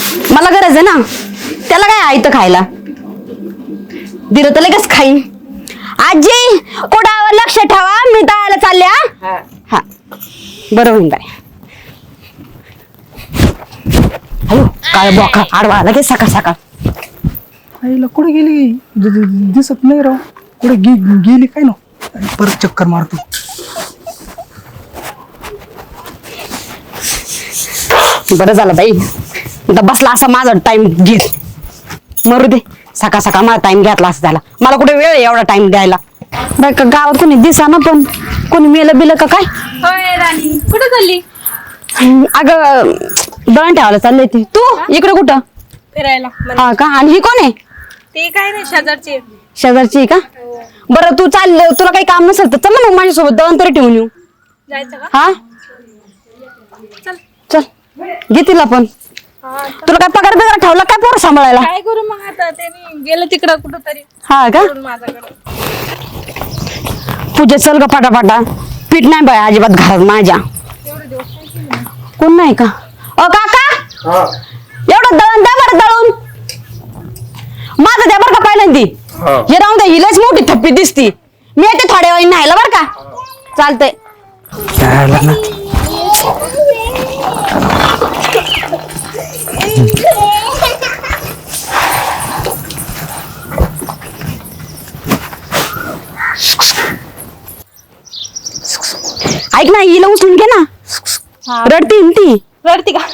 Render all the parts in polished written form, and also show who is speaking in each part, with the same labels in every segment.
Speaker 1: मला गरज आहे ना, त्याला काय आहे तर खायला दिलं तर लगेच खाईन. आजी कोडावर लक्ष ठेवा, मी दळायला चालले. हा बरं होईन बाय. अयो काय बोका आडवा लगेच सकाळ सकाळ.
Speaker 2: आईला कुठे गेली दिसत नाही राव. कुठे गेली काय ना. परत चक्कर मारतो.
Speaker 1: बरं झालं बाई, आता बसला असा माझा टाइम घेत. मरू दे, सकाळ सकाळ माझा टाइम घेतला असं झाला. मला कुठे वेळ आहे एवढा टाइम द्यायला. बाई का गावात कोणी दिसा ना, पण कोणी मेलं बिलं का काय.
Speaker 3: होय राणी, कुठं चालली?
Speaker 1: अगं दळण ठेवायला चालले ती. तू इकडे कुठं?
Speaker 3: फिरायला.
Speaker 1: हा का? आणि ही कोण आहे?
Speaker 3: ते काय नाही, शेजारची.
Speaker 1: शेजारची का? बरं तू चाल, तुला काही काम नसेल तर चल ना मग माझ्यासोबत दळण तरी ठेवून येऊ.
Speaker 3: जायचं का?
Speaker 1: हा
Speaker 3: चल.
Speaker 1: चल घे तिला पण. तुला काय पगार बिगार ठेवला काय पोरं सांभाळायला?
Speaker 3: काय करू मग आता, त्यांनी गेलं तिकडं कुठं तरी
Speaker 1: हा का?
Speaker 3: माझ्याकडे.
Speaker 1: पूजा चल ग पाटापाटा. पीठ नाही बाय अजिबात घरात माझ्या. कोण नाही का? काका एवढं दळण द्या बरं दळून. माझं द्या बरं का पहिल्यांदी. हे राहून द्या, हिलाच मोठी थप्पी दिसती. मी येते थोड्या वेळ न्यायला बरं का. चालतंय. ऐक ना, हिला उचलून घे ना. रडती ती.
Speaker 3: रडती का?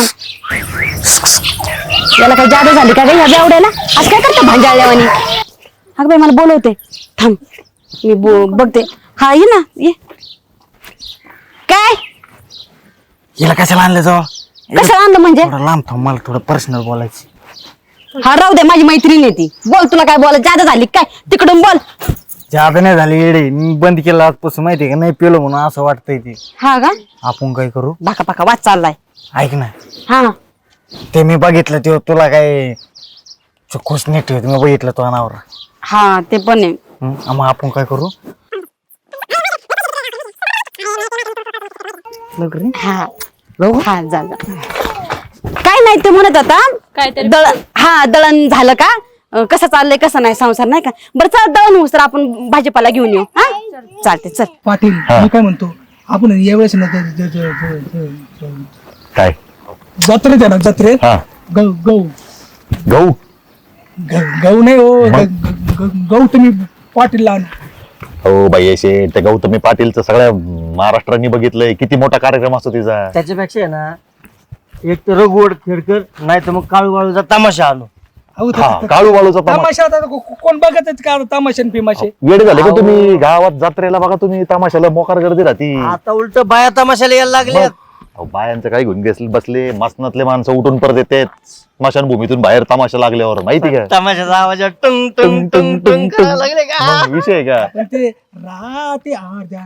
Speaker 1: याला काही जादू झाली का रे ह्या बेवड्याला? आज काय करतो भांजाळल्यावानी? अगं बाई मला बोलवते, थांब मी बघते. हा ये ना ये. काय
Speaker 4: हिला कशाला आणलं जाऊ?
Speaker 1: कशाला आणलं म्हणजे?
Speaker 4: थोडं लांब थांब, मला थोडं पर्सनल बोलायचं.
Speaker 1: हा राहू दे, माझी मैत्रीण आहे ती. बोल, तुला काय बोलायचं? जादा झाली काय? तिकडून बोल.
Speaker 4: जादा नाही झाली येडे, मी बंद केलं आजपासून माहितीये का. नाही पेलो म्हणून असं वाटतंय ते.
Speaker 1: हा का?
Speaker 4: आपण काय करू?
Speaker 1: बाका बाका वाच चाललाय.
Speaker 4: ऐक ना,
Speaker 1: हा
Speaker 4: ते मी बघितलं ते तुला काय खुश नाही ठेवत. मी बघितलं तो अनावर.
Speaker 1: हा ते पण आहे.
Speaker 4: मग आपण काय करू?
Speaker 1: हा हा जा जा. काय नाही ते म्हणत आता
Speaker 3: काहीतरी
Speaker 1: दळण. हा दळण झालं का? कसं चाललंय कसं नाही संसार नाही का? बरं चल दळण होऊस तर आपण भाजीपाला घेऊन येऊ. हा चालते चल.
Speaker 2: पाटील मी काय म्हणतो, आपण यावेळेस ना
Speaker 5: काय
Speaker 2: जत्रेत आहे ना, जत्रेत
Speaker 5: हा
Speaker 2: गहू गहू
Speaker 5: गहू
Speaker 2: गहू नाही हो, गहू तुम्ही पाटीलला आणा.
Speaker 5: हो बाई असे त्या गौतमी पाटीलचं सगळ्या महाराष्ट्राने बघितलंय. किती मोठा कार्यक्रम असतो तिचा.
Speaker 4: त्याच्यापेक्षा आहे ना, एक तर रघुवड खेडकर, नाही तर मग काळू बाळूचा तमाशा आणू.
Speaker 2: अहो,
Speaker 5: हा काळू बाळूचा
Speaker 2: तमाशा आता कोण बघत का तमाशा पिमाशे?
Speaker 5: वेळ झाले का तुम्ही? गावात जत्रेला बघा तुम्ही, तमाशाला मोकार गर्दी राहती.
Speaker 4: आता उलट बाया तमाशाला यायला लागल्या.
Speaker 5: बायांचं काय घेऊन बसले. मसनातले माणसं उठून परत येतात स्मशानभूमीतून बाहेर तमाशा लागल्यावर. माहिती का?
Speaker 4: तमाशाचा आवाज टुंग टुंग टुंग टुंग करायला लागले का?
Speaker 5: मग विषय का?
Speaker 2: पण ते राती अर्ध्या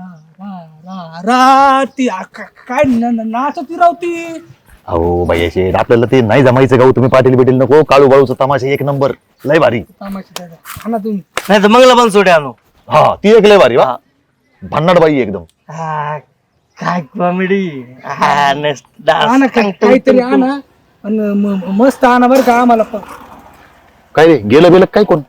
Speaker 2: राती काय नाचती रावती.
Speaker 5: अहो बाई असे आपल्याला ते नाही जमायचं. गौतमी पाटील बिटील नको. काळू बाळूचा तमाशा एक नंबर, लय भारी.
Speaker 2: तमाशा आणा तुम्ही.
Speaker 4: नाही तर मंगला पण सोडे आणू.
Speaker 5: हा ती एक लय भारी. वा भन्नाट बाई एकदम.
Speaker 4: हा, काय कॉमेडी.
Speaker 2: आणा काहीतरी आणा आणि मस्त आणा बरं का आम्हाला पण.
Speaker 5: काय रे गेलं बेलं काय कोण?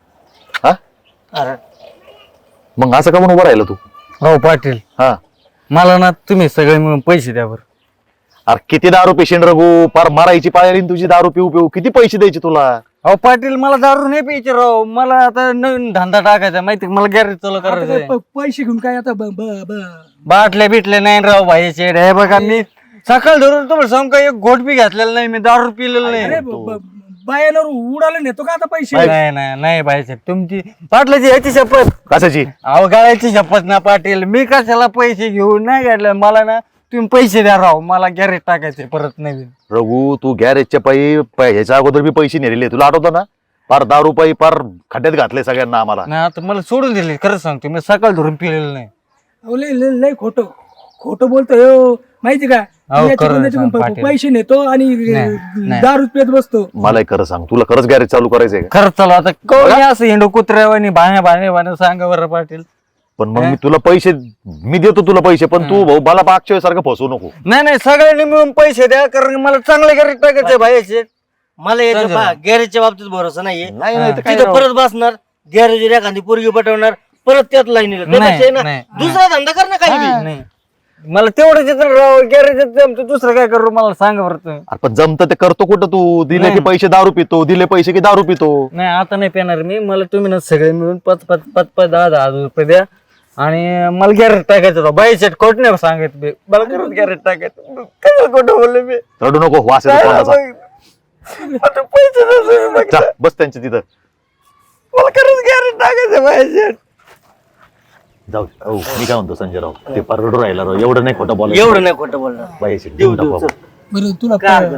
Speaker 5: हा मग असं का म्हणून उभं राहिलं तू?
Speaker 4: हो पाटील,
Speaker 5: हा
Speaker 4: मला ना तुम्ही सगळे मिळून पैसे द्या बरं.
Speaker 5: अरे किती दारू पेशंट रघू, पार मारायची पाळी तुझी. दारू पिऊ पिऊ किती पैसे द्यायचे तुला?
Speaker 4: अहो पाटील, मला दारू नाही प्यायचे राव. मला आता नवीन धंदा टाकायचा, माहिती मला गॅरेज चालू करायचं.
Speaker 2: पैसे घेऊन काय आता
Speaker 4: बाटल्या बिटल्या नाही राव भाईचे. हे बघा, मी सकाळ धरून तुम्हाला सांगू का, एक घोट बी घातलेला नाही, मी दारू पिलेलं नाही.
Speaker 2: बायावर उडाला नेतो का आता पैसे?
Speaker 4: नाही नाही नाही भाईचे, तुमची पाटलाची ह्याची शपथ.
Speaker 5: कशाची?
Speaker 4: अहो गाळ्याची शपथ ना पाटील. मी कशाला पैसे घेऊन नाही घातलं. मला ना तुम्ही पैसे द्या राव, मला गॅरेज टाकायचे परत नवीन.
Speaker 5: रघु तू गॅरेजच्या ह्याच्या अगोदर बी पैसे नेलेले तुला आठवतं ना? पार दारू पायी पार खड्ड्यात घातले सगळ्यांना आम्हाला.
Speaker 4: नाही आता मला सोडून दिले, खरंच सांगतो. मी सकाळ धरून पिलेलं नाही.
Speaker 2: अहो, लय खोटं बोलतोय हो, माहिती का? याच्याकडून पैसे नेतो आणि दारू पेत बसतो.
Speaker 5: मला खरं सांग, तुला खरंच गॅरेज चालू करायचंय का?
Speaker 4: खरंच चालू आता कोणी असं हिंडो कुत्र्यावानी भाण्या सांगा बरं पाटील.
Speaker 5: पण मग मी तुला पैसे मी देतो तुला पैसे पण तू भाऊ मला मागच्या वेळेसारखं फसवू नको.
Speaker 4: नाही सगळ्यांनी मिळून पैसे द्या कारण की मला चांगले गॅरेज टाकायचे भाई शेठ.
Speaker 6: मला याच्या गॅरेजच्या बाबतीत भरोसा नाहीये.
Speaker 5: नाही नाही तर काय
Speaker 6: तिथं
Speaker 5: राव.
Speaker 6: परत बसणार गॅरेज एखादी पोरगी पटवणार परत त्यात लाईनीला त्यापेक्षा ना दुसरा धंदा कर ना काही बी.
Speaker 4: नाही मला तेवढंच येतं राव गॅरेज दुसरं काय करू मला सांगा बरं तुम्ही.
Speaker 5: अरे पण जमतं ते करतो कुठं तू दिले की पैसे दारू पितो दिले पैसे की दारू पितो.
Speaker 4: नाही आता नाही पेणार मी मला तुम्ही ना सगळे मिळून 5 10 रुपये द्या आणि मला गॅरेज टाकायचं होतं बाई सेट कोट नाही सांगत मी मला खरंच गॅरेज टाकायचं काय खोटं बोलले मी
Speaker 5: रडू नको वास येतो तोंडाचा.
Speaker 4: आता पैसे नसेल मग.
Speaker 5: जा, बस त्यांच्या तिथं
Speaker 4: मला खरंच गॅरेज टाकायचं बाई सेट.
Speaker 5: जाऊ दे. हो, मी काय म्हणतो संजय राव ते पार रडू राहिला राव एवढं नाही खोटं बोलायचं.
Speaker 6: एवढं नाही खोटं बोलणार.
Speaker 5: बाईचे देऊन टाकू आपण.
Speaker 2: बरं तुला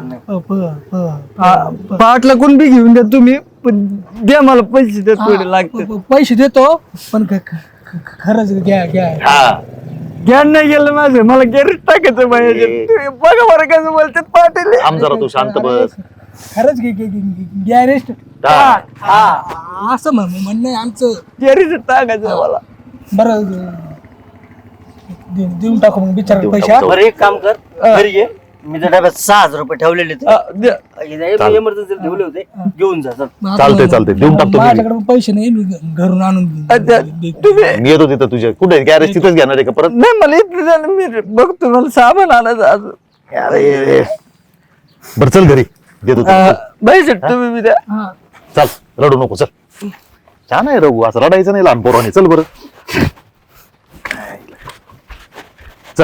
Speaker 4: पाटला कोण बी घेऊन द्या तुम्ही पण द्या मला पैसे द्या थोडे लागते.
Speaker 2: पैसे देतो पण खरंच घ्या.
Speaker 5: हा
Speaker 4: ज्ञान नाही गेलं माझं मला गॅरेज टाकायचं पाहिजे तुम्ही बघा बरं कसं बोलतात पाटील.
Speaker 5: थांब जरा तू शांत बस.
Speaker 2: खरंच गॅरेज
Speaker 5: हा.
Speaker 2: असं म्हणणं आहे आमचं.
Speaker 4: गॅरेज टाकायचं मला.
Speaker 2: बरं देऊन टाकू मग बिचारा पैसे.
Speaker 6: बरं एक काम कर घरी ये मी त्या डब्यात 6,000 रुपये ठेवलेले इमर्जन्सी ठेवले होते घेऊन जा चल.
Speaker 5: चालतंय देऊन टाकतो मी.
Speaker 2: माझ्याकडे पण पैसे नाही मी घरून आणून
Speaker 5: मी येतो तिथं तुझ्या कुठे गॅरेज तिथेच घेणार आहे का परत.
Speaker 4: नाही मला इथलं झालं मी बघतो मला सामान आणायचं अजून.
Speaker 5: अरे बर चल घरी देतो तुला.
Speaker 4: पैसे तुम्ही बी द्या.
Speaker 5: चल रडू नको चल. छान आहे रघु असं रडायचं नाही लहान पोराने चल बरं चल.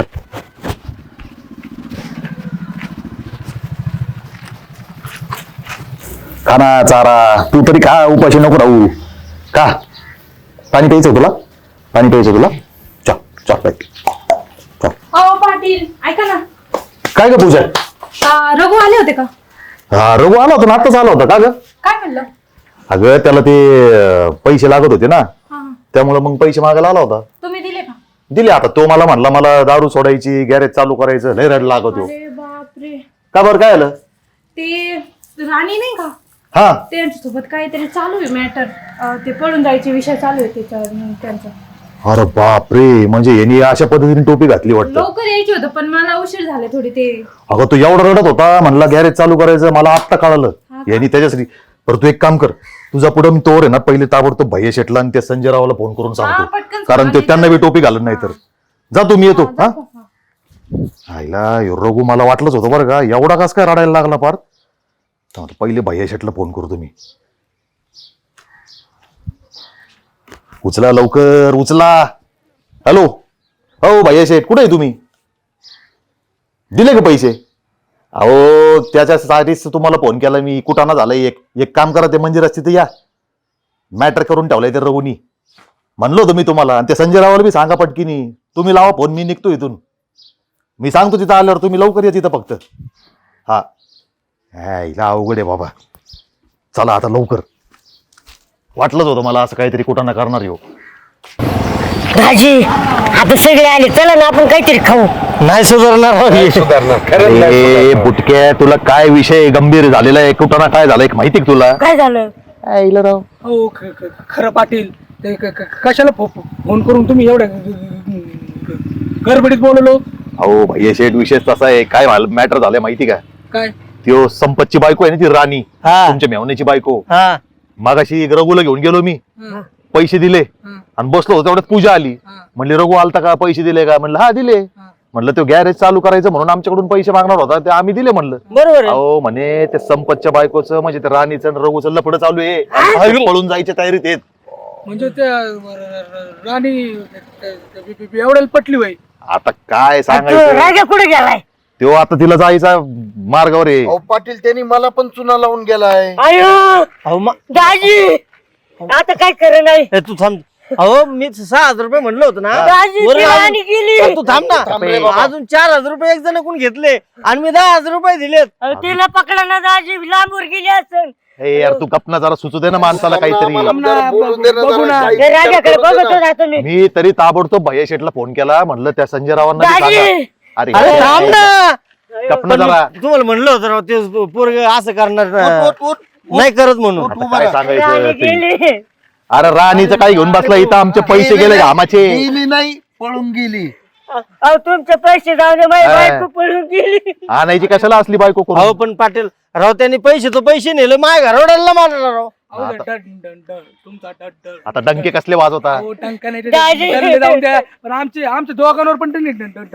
Speaker 5: खाना चारा तू तरी खा उपाशी नको राहू का. पाणी प्यायचं तुला पाणी प्यायचं तुला चल
Speaker 3: अहो पाटील ऐका ना.
Speaker 5: काय ग पूजा.
Speaker 3: रघु आले होते का?
Speaker 5: हा रघु आला होता ना आत्ताच आला होता का ग.
Speaker 3: काय म्हणलं?
Speaker 5: अगं त्याला ते पैसे लागत होते ना
Speaker 3: हा
Speaker 5: त्यामुळे मग पैसे मागायला आला होता.
Speaker 3: तुम्ही दिले का?
Speaker 5: दिले आता तो मला म्हणला मला दारू सोडायची गॅरेज चालू करायचं लय रड लागत हो.
Speaker 3: अरे बापरे.
Speaker 5: का बरं काय आलं.
Speaker 3: ते राणी नाही का
Speaker 5: हा
Speaker 3: त्यांच्यासोबत काहीतरी चालू आहे मॅटर. ते पळून जायचे विषय चालू आहे त्याच्यावर त्यांचा.
Speaker 5: अरे बापरे म्हणजे यांनी अशा पद्धतीने टोपी घातली वाटतं.
Speaker 3: लवकर यायचे होतं पण मला उशीर झाले थोडी ते.
Speaker 5: अगं तो एवढा रडत होता म्हणला गॅरेज चालू करायचं मला आत्ता कळालं यांनी त्याच्यासाठी. बरं तू एक काम कर तुझा पुढे मी तोवर आहे ना पहिले ताबडतोब भैया शेटला आणि त्या संजय रावाला फोन करून सांगतो
Speaker 3: पटकन
Speaker 5: कारण ते त्यांना बी टोपी घालत नाही तर. जा तू मी येतो हा. आईला रघु मला वाटलंच होतं बरं का एवढा कस काय रडायला लागला पार. पहिले भैया शेटला फोन करतो मी. उचला लवकर उचला. हॅलो हो भैया शेठ कुठे आहे तुम्ही. दिले का पैसे. अहो त्याच्यासाठीच तुम्हाला फोन केला मी कुटाणा झालाय एक काम करा ते मंदिरात तिथे या मॅटर करून ठेवलाय ते रघुनी म्हणलो होतो मी तुम्हाला. आणि ते संजय रावाला बी सांगा पटकीनी तुम्ही लावा फोन मी निघतो इथून. मी सांगतो तिथं आल्यावर तुम्ही लवकर या तिथं फक्त. हा हिला अवघड आहे बाबा. चला आता लवकर. वाटलंच होतं मला असं काहीतरी कुटाणा करणार हो.
Speaker 7: राजी आता सगळे आले चला ना आपण काहीतरी खाऊ.
Speaker 5: नाही सुधारणार ए बुटक्या तुला काय विषय गंभीर झालेला आहे कुटाणा काय झालाय माहिती का तुला.
Speaker 7: काय झालं.
Speaker 5: राव
Speaker 2: हो खरं पाटील ते कशाला फोन करून तुम्ही एवढ्या गडबडीत बोललो.
Speaker 5: अहो भैया शेठ विशेष तसा आहे काय मॅटर झालंय माहिती का.
Speaker 2: काय
Speaker 5: त्यो संपतची बायको आहे ना ती राणी तुमच्या मेवण्याची बायको. मागाशी रघुला घेऊन गेलो मी पैसे दिले आणि बसलो होतो तेवढ्यात पूजा आली म्हणले रघु आलता का पैसे दिले का म्हणलं हा दिले. म्हणलं तो गॅरेज चालू करायचं म्हणून आमच्याकडून पैसे मागणार होता ते आम्ही दिले म्हणलं.
Speaker 6: बरोबर आहे.
Speaker 5: अहो म्हणे ते संपतच्या बायकोचं म्हणजे ते राणीचं आणि रघुचं लफडं चालू आहे पळून जायच्या तयारीत आहेत.
Speaker 2: म्हणजे त्या राणी एवढ्याला पटली बाई.
Speaker 5: आता काय सांगायचं
Speaker 7: राजा कुठे गेलाय.
Speaker 5: तो आता तिला जायचा मार्गावर आहे.
Speaker 8: अहो पाटील त्यांनी मला पण चुना लावून गेलाय.
Speaker 7: अयो दाजी आता काय खरं नाही.
Speaker 6: तू थांब. अहो मी 6,000 रुपये म्हणलं होतं ना
Speaker 7: दाजी
Speaker 6: वरून
Speaker 7: ती
Speaker 6: अजून-
Speaker 7: राणी गेली.
Speaker 6: तू थांब
Speaker 8: रे
Speaker 6: ना
Speaker 8: बाबा.
Speaker 6: अजून 4,000 रुपये एक जण कोण घेतले आणि मी 10,000 रुपये दिलेत.
Speaker 7: अहो, तिला पकडा ना दाजी लांबवर गेली असेल.
Speaker 5: हे यार तू गपना जरा सुचू दे ना माणसाला काहीतरी.
Speaker 8: मला जरा बोलून दे ना
Speaker 2: बघू
Speaker 8: जरा.
Speaker 2: ना.
Speaker 8: काही
Speaker 7: ते राजाकडे
Speaker 8: करू दे
Speaker 7: बघत
Speaker 8: ना.
Speaker 7: होता तुम्ही.
Speaker 5: मी तरी ताबडतोब भैया शेठला फोन केला म्हणलं त्या संजय रावांना बी
Speaker 7: दाजी
Speaker 5: सांगा.
Speaker 6: अरे
Speaker 5: अरे
Speaker 6: थांब ना.
Speaker 5: गपना जरा.
Speaker 6: तुम्हाला म्हणलं होतं राव ते पोरग असं करणार
Speaker 8: उठ, उठ, उठ.
Speaker 6: नाही करत म्हणून.
Speaker 8: उठ,
Speaker 5: आता
Speaker 8: उभा
Speaker 5: काय
Speaker 8: राहा.
Speaker 7: राणी
Speaker 5: सांगायचं ते.
Speaker 7: गेली.
Speaker 5: अरे राणीचं काय घेऊन बसला इथं आमचे पैसे गेले घामाचे.
Speaker 8: गेली नाही पळून गेली.
Speaker 7: अहो तुमचे पैसे जाऊ दे माझी बायको पळून गेली.
Speaker 5: आणायची कशाला असली बायको
Speaker 4: अहो
Speaker 5: करून?
Speaker 4: पण पाटील राव त्यांनी पैसे नेले माझ्या घरवड्याला मारला राव.
Speaker 2: अहो, तुमचा डड
Speaker 5: आता डंके कसले वाजवता?
Speaker 2: हो, टंका नाही ते जाऊन द्या. पण आमच्या दोघांवर पण टंक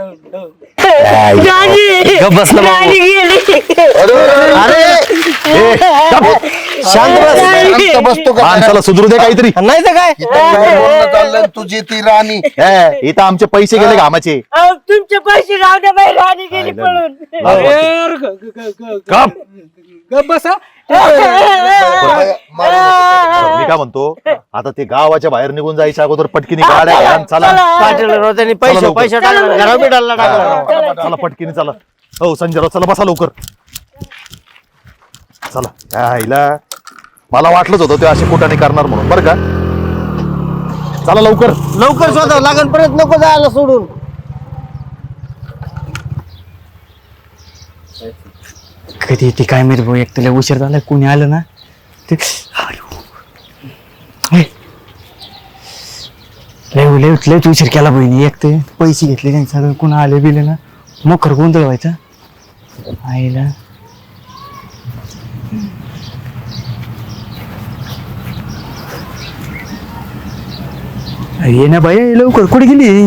Speaker 4: गप्प बसला बाबा.
Speaker 7: राणी गेली.
Speaker 4: अरे
Speaker 5: ए, गप.
Speaker 4: शांत बस.
Speaker 8: शांत बसतो का?
Speaker 5: माणसाला सुधरू दे काहीतरी.
Speaker 4: नाही तर काय
Speaker 8: इथं काय बोलणं चाललंय तुझी ती राणी.
Speaker 5: इथं आमचे पैसे गेले घामाचे.
Speaker 7: अहो तुमचे पैसे जाऊ दे माझी राणी गेली पळून.
Speaker 5: गप.
Speaker 2: गप बसा.
Speaker 5: मी काय म्हणतो आता ते गावाच्या बाहेर निघून जायच्या अगोदर पटकीने गाड्या घ्या आणि चला.
Speaker 4: पाटील राव त्यांनी पैसे टाकले घरा बिडाला टाकला राव.
Speaker 5: चला पटकीने चला. हो संजयराव चला बसा लवकर. चला काय हिला मला वाटलंच होतं ते असे कुठाने करणार म्हणून बरं का. चला लवकर.
Speaker 4: लवकर स्वतः लागण परत नको जायला सोडून.
Speaker 6: कधी येते काय माहिती भाऊ, एक तुला उशीर झाला कोणी आलं ना ते लयच उशीर केला बहिणी. एक ते पैसे घेतले त्यांनी सगळं कोण आले बिले ना मोकर गोंधळ व्हायचा आईला. ये ना बाई लवकर कुठे गेली?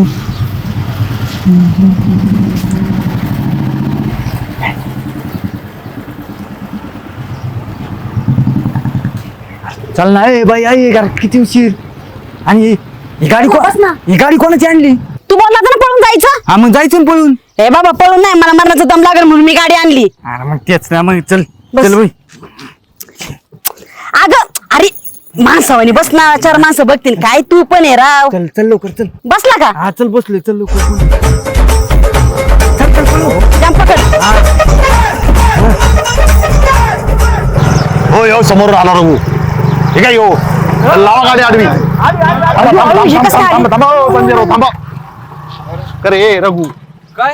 Speaker 6: चल ना ए बाई आई किती उशीर. आणि ही गाडी
Speaker 1: बस ना.
Speaker 6: ही गाडी कोणाची आणली?
Speaker 1: तू बोलला होता ना पळून जायचं.
Speaker 6: हा मग जायचं ना पळून.
Speaker 1: हे बाबा पळून नाही, मला मरणाचा दम लागेल म्हणून मी गाडी आणली.
Speaker 6: अरे मग तेच ना मग चल
Speaker 1: बस.
Speaker 6: चल बाई.
Speaker 1: अगं अरे माणसावानी बस ना, 4 माणसं बघतील काय. तू पण आहे राव.
Speaker 6: चल चल लवकर चल.
Speaker 1: बसला का?
Speaker 6: हा चल बसलोय चल लवकर. चल चल चल.
Speaker 1: जाम पकड.
Speaker 5: हो यो समोर आला रघु. ठीक आहे यो लावा गाडी आडवी.
Speaker 1: हे कसं आली?
Speaker 5: थांबा हो, संजयराव थांबा. करे ए रघु
Speaker 2: काय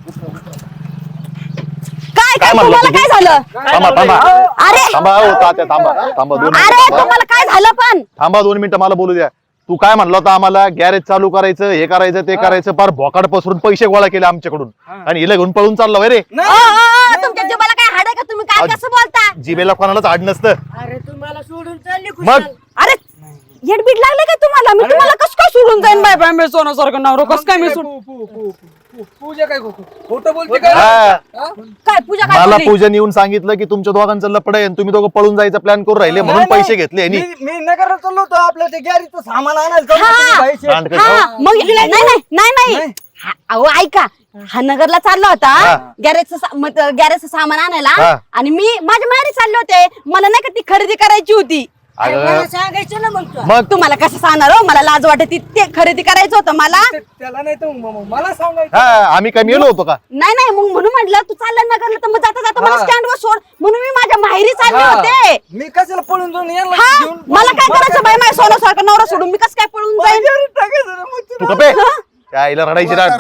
Speaker 1: काय काय
Speaker 5: म्हणलं
Speaker 1: तुम्हाला
Speaker 5: तुम्ही?
Speaker 1: काय झालं?
Speaker 5: थांबा थांबा
Speaker 1: अरे
Speaker 5: थांबा हो तात्या थांबा थांबा 2
Speaker 1: अरे
Speaker 5: मिनिटं
Speaker 1: तुम्हाला काय झालं पण?
Speaker 5: थांबा 2 मिनिटं मला बोलू द्या. तू काय म्हणला होता आम्हाला गॅरेज चालू करायचं हे करायचं ते करायचं फार भोकाड पसरून पैसे गोळा केले आमच्याकडून आणि हिला घेऊन पळून चालला वय रे.
Speaker 1: तुमच्या जीवाला काय हाड आहे का? तुम्ही काय कसं बोलता?
Speaker 5: जिबेला कोणालाच आड नसतं.
Speaker 7: अरे तुम्हाला सोडून चालली
Speaker 5: मग
Speaker 7: खुशाल.
Speaker 1: अरे येडबीड लागले काय तुम्हाला? मी तुम्हाला कसं काय सोडून जाईन बाय बाय मी सोन्यासारखं नवरं कसं काय मी सोडून?
Speaker 2: पूजा काय खोटं बोलते काय?
Speaker 5: हा.
Speaker 1: काय पूजा काय
Speaker 5: मला
Speaker 1: बोलली?
Speaker 5: पूजन येऊन सांगितलं की तुमच्या दोघांचं लपड आहे आणि तुम्ही दोघं पळून जायचा प्लॅन करून राहिले म्हणून पैसे घेतले यांनी.
Speaker 4: मी नगरला चाललो होतो आपल्या ते गॅरीचं सामान आणायला चाललो
Speaker 1: हा.
Speaker 4: होतो पैसे.
Speaker 5: कांड कर.
Speaker 1: हा मग नाही अहो ऐका, हा नगरला चालला होता गॅरेजचं सामान आणायला
Speaker 5: हा.
Speaker 1: आणि मी माझ्या माहेरी चालले होते. मला नाही का ती खरेदी करायची होती.
Speaker 5: अगं,
Speaker 7: मला सांगायचं ना मग तू.
Speaker 5: मग
Speaker 1: तुम्हाला कसं सांगणार हो? मला लाज वाटते. ते खरेदी करायचं होतं मला.
Speaker 2: त्याला नाही तर मला सांगायचं.
Speaker 5: हा आम्ही काय मेलो होतो का?
Speaker 1: नाही मग म्हणून म्हटलं तू चालला नगरला तर मग जाता जाता मला स्टँडवर सोड म्हणून मी माझ्या माहेरी चालले होते.
Speaker 4: मी कशाला पळून जाऊन यायला
Speaker 1: हा
Speaker 4: घेऊन
Speaker 1: मला काय करायचं बाई? माझ्या सोन्यासारखं नवरा सोडून मी कसं काय पळून जाईन?
Speaker 4: टाकायचं ना मग.
Speaker 5: तू कपे त्या आईला रडायची राड.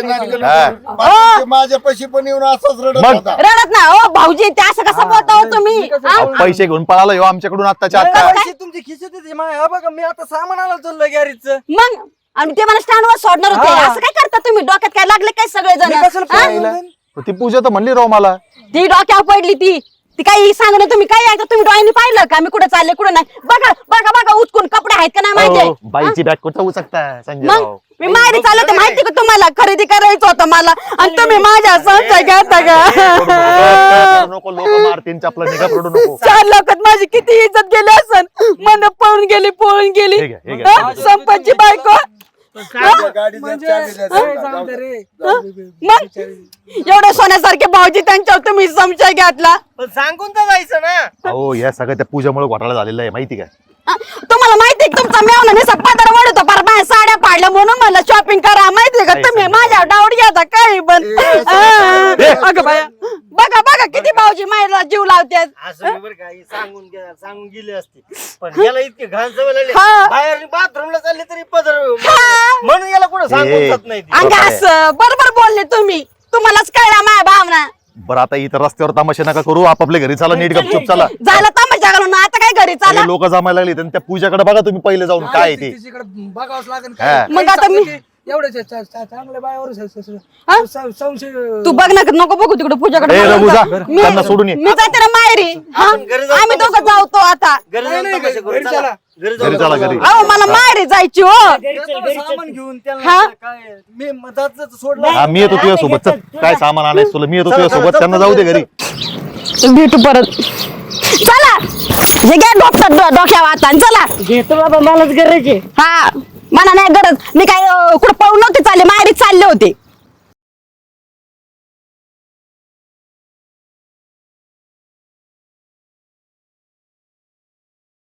Speaker 8: माझ्या पैसे पण येऊन असंच रडत
Speaker 5: मग?
Speaker 8: होता.
Speaker 1: रडत ना हो भाऊजी, ते असं कसं बोलता हो तुम्ही? हा?
Speaker 5: पैसे घेऊन पळाला हो आमच्याकडून आत्ताच्या आत्ता.
Speaker 4: पैसे तुमची खिशात होते. हा बघा मी आता सामान आणायला चाललोय गॅरीचं.
Speaker 1: मग आणि ते मला स्टँडवर सोडणार होते.
Speaker 4: हा.
Speaker 1: असं काय करता तुम्ही? डोक्यात काय लागले काय
Speaker 4: मी कशाला
Speaker 1: सगळेजण?
Speaker 4: पळायला?
Speaker 5: ती पूजा तर म्हणली राव मला.
Speaker 1: ती डोक्यावर पडली ती काही सांग ना. तुम्ही काय ऐकता? तुम्ही डोळ्यांनी पाहिलं का मी कुठे चालले कुठे नाही? बघा बघा बघा उचकून कपडे आहेत का नाही
Speaker 5: अहो,
Speaker 1: माहिती?
Speaker 5: बाईची बॅग कुठं उचकता संजय
Speaker 1: मग
Speaker 5: राव.
Speaker 1: मी माहेरी चालले होते माहिती का तुम्हाला? खरेदी करायचं होतं मला आणि तुम्ही माझ्या संशय घेता का?
Speaker 5: नको लोक मारतीन चपला निघा पडू नको.
Speaker 1: 4 लोकात माझी किती इज्जत गेली असन. मन पळून गेली
Speaker 5: हे घ्या, हे घ्या.
Speaker 1: हा? संपतची बायको.
Speaker 8: गाडीचा चावी द्या, जाऊ द्या, जाऊ द्या.
Speaker 1: मग एवढे सोन्यासारखे भाऊजी त्यांच्यावर तुम्ही संशय घातला.
Speaker 4: पण सांगून तर जायचं ना.
Speaker 5: अहो या सगळ्या त्या पूजामुळे घोटाळा झालेला आहे माहिती काय?
Speaker 1: तुम्हाला माहितीये का तुमचा मेवना निसा पदर वडतो पर माझ्या साड्या पाडल्या म्हणून मला शॉपिंग करा. माहितीये का तुम्ही माझ्या डाऊट घ्याचा काही पण. अगं बाया बघा बघा किती भाऊजी मायला जीव लावतात.
Speaker 4: असं बरं का सांगून गेले असते पण याला इतके घाण सवय लागली.
Speaker 1: हा.
Speaker 4: बाहेर बाथरूमला चालले तरी पदर
Speaker 1: हा.
Speaker 4: म्हणून याला कुठं सांगून जात नाही ती.
Speaker 1: अंग असं बरोबर बोलले तुम्ही. तुम्हालाच कळला माझ्या भावना.
Speaker 5: बरं आता इथं रस्त्यावर तमाशा नका करू, आपापल्या घरी चला, नीट गपचूप चला.
Speaker 1: झालं तमाशा घालून आता काय घरी चाला.
Speaker 5: लोक जमायला लागले आणि त्या पूजाकडे बघा तुम्ही पहिले जाऊन काय आहे ते.
Speaker 2: तिच्याकडे बघावंच लागेल
Speaker 5: हा.
Speaker 2: काय.
Speaker 1: मग आता मी-
Speaker 2: एवढं चांगल्या बायावर
Speaker 1: हा?
Speaker 2: संशय
Speaker 1: तू बघ ना, नको बघू तिकडे पूजाकडे.
Speaker 5: ए, रघु जा,
Speaker 1: मी
Speaker 5: त्यांना सोडून ये.
Speaker 1: मी जाते ना माहेरी. हा? आम्ही दोघं जाऊतो आता.
Speaker 4: घरी जाऊन तमाशा करू,
Speaker 2: घरी
Speaker 4: चला.
Speaker 2: चला.
Speaker 4: घरी
Speaker 5: घरी चला घरी.
Speaker 1: अहो मला माहेरी जायची हो.
Speaker 4: सामान घेऊन
Speaker 1: हा?
Speaker 4: त्यांना काय मी मधात सोडलं.
Speaker 5: हा मी येतो तुझ्या सोबत. चल काय सामान आणायचं तुला, मी येतो तुझ्या सोबत. त्यांना जाऊ दे घरी.
Speaker 1: भेटू परत. चला हे घ्या डोक्यावर आता आणि चला.
Speaker 7: घेतो बाबा मलाच गरज आहे.
Speaker 1: हा मला नाही गरज. मी काय कुठं पळून नव्हते चालले, माहेरीच चालले होते.